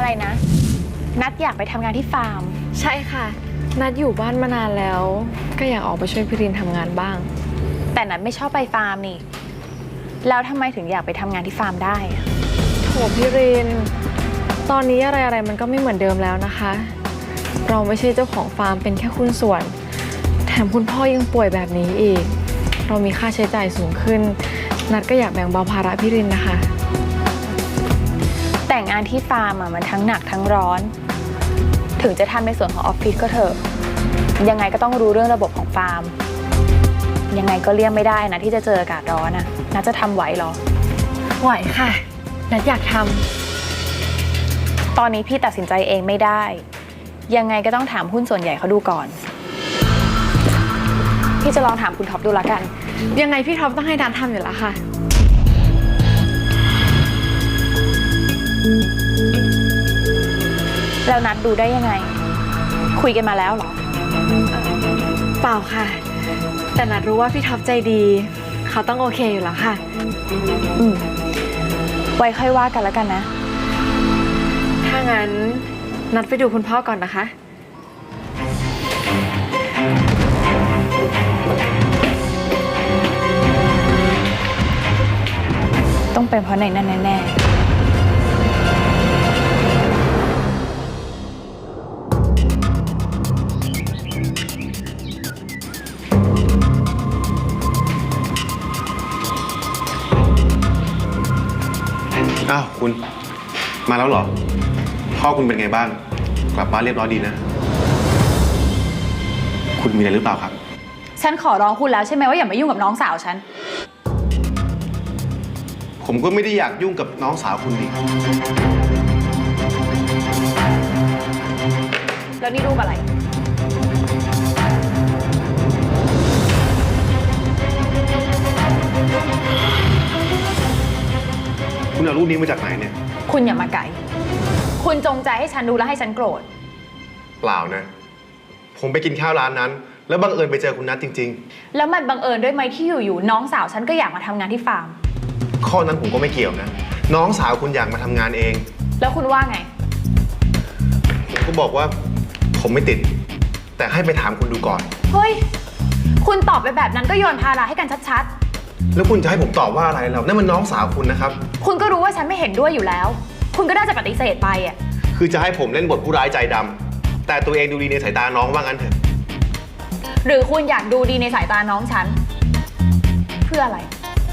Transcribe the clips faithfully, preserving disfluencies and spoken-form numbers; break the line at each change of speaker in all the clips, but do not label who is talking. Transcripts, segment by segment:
อะไรนะนัดอยากไปทำงานที่ฟาร์ม
ใช่ค่ะนัดอยู่บ้านมานานแล้วก็อยากออกไปช่วยพี่รินทำงานบ้าง
แต่นัดไม่ชอบไปฟาร์มนี่แล้วทำไมถึงอยากไปทำงานที่ฟาร์มได้
โถพี่รินตอนนี้อะไรอะไรมันก็ไม่เหมือนเดิมแล้วนะคะเราไม่ใช่เจ้าของฟาร์มเป็นแค่หุ้นส่วนแถมคุณพ่อยังป่วยแบบนี้อีกเรามีค่าใช้จ่ายสูงขึ้นนัดก็อยากแบ่งเบาภาระพี่รินนะคะ
แต่งงานที่ฟาร์มอะมันทั้งหนักทั้งร้อนถึงจะทำในส่วนของออฟฟิศก็เถอะยังไงก็ต้องรู้เรื่องระบบของฟาร์มยังไงก็เลี่ยงไม่ได้นะที่จะเจออากาศร้อนนะนัดจะทำไหวหรอ
ไหวค่ะนัดอยากท
ำตอนนี้พี่ตัดสินใจเองไม่ได้ยังไงก็ต้องถามหุ้นส่วนใหญ่เขาดูก่อนพี่จะลองถามคุณท็อปดูละกัน
ยังไงพี่ท็อปต้องให้นัดทำอยู่แล้วค่ะ
แล้วนัดดูได้ยังไงคุยกันมาแล้วเหรอ
เปล่าค่ะแต่นัดรู้ว่าพี่ท็อปใจดีเขาต้องโอเคอยู่แล้วค่ะ
อืมไว้ค่อยว่ากันแล้วกันนะ
ถ้างั้นนัดไปดูคุณพ่อก่อนนะคะ
ต้องเป็นเพราะในนั่นแน่ๆ
อ้าวคุณมาแล้วเหรอพ่อคุณเป็นไงบ้างกลับบ้านเรียบร้อยดีนะคุณมีอะไรหรือเปล่าครับ
ฉันขอร้องคุณแล้วใช่ไหมว่าอย่ามายุ่งกับน้องสาวฉัน
ผมก็ไม่ได้อยากยุ่งกับน้องสาวคุณดิ
แล้วนี่รูปอะไร
คุณเอารูปนี้มาจากไหนเนี่ย
คุณอย่ามาไกลคุณจงใจให้ฉันดูและให้ฉันโกรธ
เปล่านะผมไปกินข้าวร้านนั้นแล้วบังเอิญไปเจอคุณนัทจริง
ๆแล้วมันบังเอิญด้วยไหมที่อยู่ๆน้องสาวฉันก็อยากมาทำงานที่ฟาร์ม
ข้อนั้นผมก็ไม่เกี่ยวนะน้องสาวคุณอยากมาทำงานเอง
แล้วคุณว่าไง
ผมก็บอกว่าผมไม่ติดแต่ให้ไปถามคุณดูก่อน
เฮ้ยคุณตอบไปแบบนั้นก็โยนภาระให้กันชัด
ๆแล้วคุณจะให้ผมตอบว่าอะไรเรานั่นมันน้องสาวคุณนะครับ
คุณก็รู้ว่าฉันไม่เห็นด้วยอยู่แล้วคุณก็น่าจะปฏิเสธไปอ่ะ
คือจะให้ผมเล่นบทผู้ร้ายใจดำแต่ตัวเองดูดีในสายตาน้องว่างั้นเถอะ
หรือคุณอยากดูดีในสายตาน้องฉันเพื่ออะไร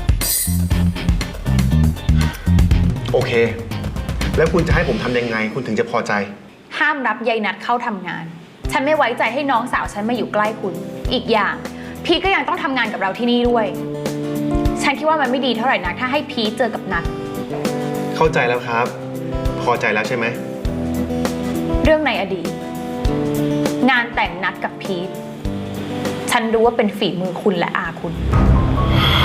โอเคแล้วคุณจะให้ผมทำยังไงคุณถึงจะพอใจ
ห้ามรับยายนัดเข้าทำงานฉันไม่ไว้ใจให้น้องสาวฉันมาอยู่ใกล้คุณอีกอย่างพีทก็ยังต้องทำงานกับเราที่นี่ด้วยฉันคิดว่ามันไม่ดีเท่าไหร่นักถ้าให้พีทเจอกับนัด
เข้าใจแล้วครับพอใจแล้วใช่ไหม
เรื่องในอดีตงานแต่งนัดกับพีทฉันรู้ว่าเป็นฝีมือคุณและอาคุณ